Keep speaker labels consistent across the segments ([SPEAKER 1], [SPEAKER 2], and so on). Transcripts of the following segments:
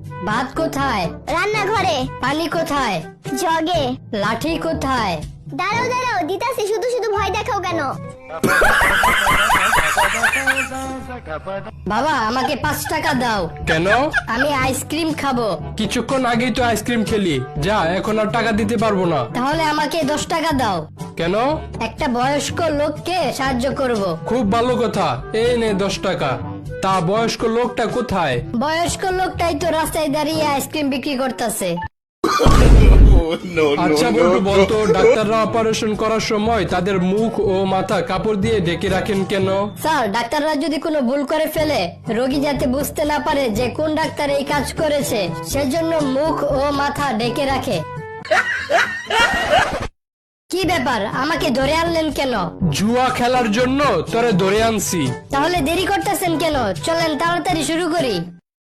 [SPEAKER 1] ভাত কোথায়?
[SPEAKER 2] রান্নাঘরে।
[SPEAKER 1] পানি কোথায়?
[SPEAKER 2] জগে।
[SPEAKER 1] লাঠি কোথায়?
[SPEAKER 2] দাঁড়াও দাঁড়াও, দিতাছি, শুধু শুধু ভয় দেখাও কেন?
[SPEAKER 1] বাবা আমাকে 5 টাকা দাও,
[SPEAKER 3] কেন?
[SPEAKER 1] আমি আইসক্রিম খাবো।
[SPEAKER 3] কিছুক্ষণ আগেই তো আইসক্রিম খেলি, যা এখন আর টাকা দিতে পারবো না।
[SPEAKER 1] তাহলে আমাকে 10 টাকা দাও,
[SPEAKER 3] কেন?
[SPEAKER 1] একটা বয়স্ক লোককে সাহায্য করব।
[SPEAKER 3] খুব ভালো কথা, এই নে 10 টাকা। তা বয়স্ক লোকটা কোথায়?
[SPEAKER 1] বয়স্ক লোকটাই তো রাস্তায় দাঁড়িয়ে আইসক্রিম বিক্রি করতেছে।
[SPEAKER 3] আচ্ছা বন্ধু, বলতো ডাক্তাররা অপারেশন করার সময় তাদের মুখ ও মাথা কাপড় দিয়ে ঢেকে রাখেন কেন?
[SPEAKER 1] স্যার, ডাক্তাররা যদি কোনো ভুল করে ফেলে, রোগী যাতে বুঝতে না পারে যে কোন ডাক্তার এই কাজ করেছে, সেজন্য মুখ ও মাথা ঢেকে রাখে। কি ব্যাপার, আমাকে ধরে আনলেন কেন?
[SPEAKER 3] জুয়া খেলার জন্য তোরে ধরে আনছি।
[SPEAKER 1] তাহলে দেরি করতেছেন কেন? চলেন তাড়াতাড়ি শুরু করি।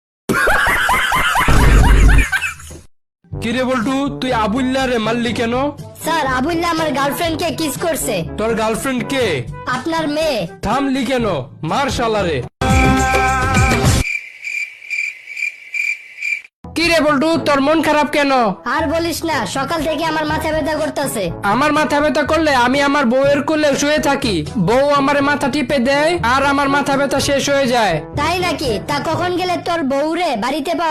[SPEAKER 3] কিরে বল্টু, তুই আবুল্লা রে মারলি কেন?
[SPEAKER 1] স্যার, আবুল্লাহ আমার গার্লফ্রেন্ডকে কিস করছে।
[SPEAKER 3] তোর গার্লফ্রেন্ড কে?
[SPEAKER 1] আপনার মেয়ে।
[SPEAKER 3] থামলি কেন? মার শালারে। কিরে বল্টু, তোর মন খারাপ কেন?
[SPEAKER 1] আর বলিস না, সকাল থেকে আমার মাথা ব্যথা করতেছে।
[SPEAKER 3] আমার মাথা ব্যথা করলে আমি আমার বউয়ের কোলে শুয়ে থাকি, বউ আমার মাথা টিপে দেয় আর আমার মাথা ব্যথা শেষ হয়ে যায়।
[SPEAKER 1] তাই নাকি? তা কখন গেলে তোর বউরে বাড়িতে পাওয়া